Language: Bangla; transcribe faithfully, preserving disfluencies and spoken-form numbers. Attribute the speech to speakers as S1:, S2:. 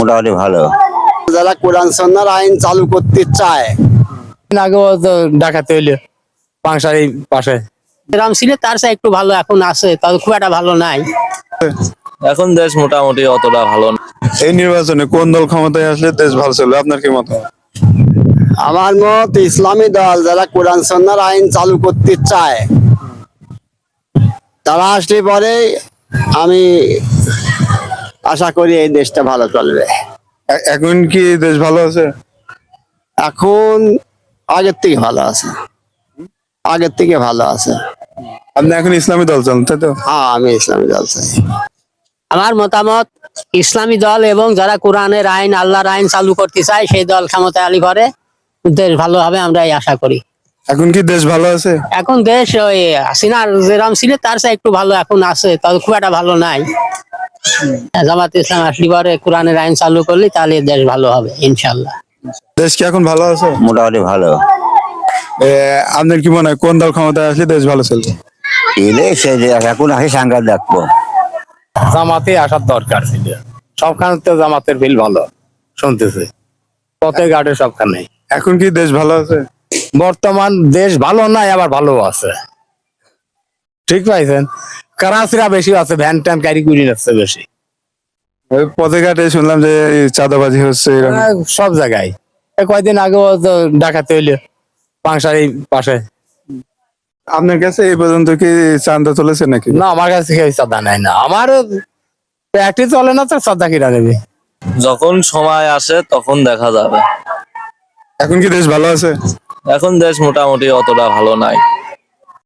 S1: মোটামুটি ভালো।
S2: যারা কোরআন সন্ন্যার আইন চালু করতে চায়,
S3: আগেও তো ডাকাতে হইলে পাংশারি পাশে
S4: গ্রাম ছিল তার চেয়ে একটু ভালো এখন আছে, তবে খুব একটা ভালো নাই।
S5: এখন দেশ মোটামুটি অতটা ভালো না।
S6: এই নির্বাচনে কোন দল ক্ষমতায় আসলে দেশ ভালো চলবে, আপনার কি মত?
S2: আমার মত ইসলামী দল যারা কোরআন সন্ন্যার আইন চালু করতে চায় তারা আসলে পরে আমি আশা করি এই দেশটা ভালো চলবে।
S6: এ- এখন কি দেশ ভালো আছে?
S2: এখন আগের থেকে ভালো আছে, আগের থেকে ভালো আছে।
S6: আপনি এখন ইসলামী দল চান, তাই তো?
S2: হ্যাঁ, আমি ইসলামী দল চাই।
S4: আমার মতামত ইসলামী দল এবং যারা কোরআনের আইন আল্লাহর আইন চালু করতে চায় সেই দল ক্ষমতায় আলি করে দেশ ভালো হবে, আমরা এই আশা করি।
S6: এখন কি দেশ ভালো আছে?
S4: এখন দেশ ওই হাসিনার যেরাম ছিল তার চেয়ে একটু ভালো এখন আছে, তবে খুব একটা ভালো নাই। জামাত ইসলাম আসলে পরে কোরআনের আইন চালু করলে তাহলে দেশ ভালো হবে ইনশাল্লাহ।
S6: দেশ কি এখন ভালো আছে?
S1: মোটামুটি ভালো।
S6: এ, আপনার কি মনে হয় কোন দল ক্ষমতায় আসলে দেশ ভালো চলবে?
S1: এলে সে যে এখন আসে সাংঘাত দেখবো।
S3: জামাতে আসার দরকার ছিল, সবখানে তো জামাতের বিল ভালো শুনতেছে, পথে ঘাটে সবখানে।
S6: এখন কি দেশ ভালো আছে?
S3: বর্তমান দেশ ভালো নাই, আবার ভালো আছে, ঠিক পাইছেন। কারাচিরা বেশি আছে, ভ্যান ট্যান ক্যারি করে যাচ্ছে বেশি।
S6: ওই পথে ঘাটে শুনলাম যে এই চাঁদাবাজি হচ্ছে এরকম।
S3: আহ, সব জায়গায় এই কয়দিন আগেও তো ডাকাতে হইলে পাংশারি পাশে।
S6: আপনার কাছে এই পর্যন্ত কি চাঁদা তুলেছে নাকি?
S3: না, আমার কাছে কেউ চাঁদা নেয় না, আমার প্যাটি চলে না তো চাঁদা কিনা নেবে।
S5: যখন সময় আসে তখন দেখা যাবে।
S6: এখন কি দেশ ভালো আছে?
S5: এখন দেশ মোটামুটি অতটা ভালো নাই।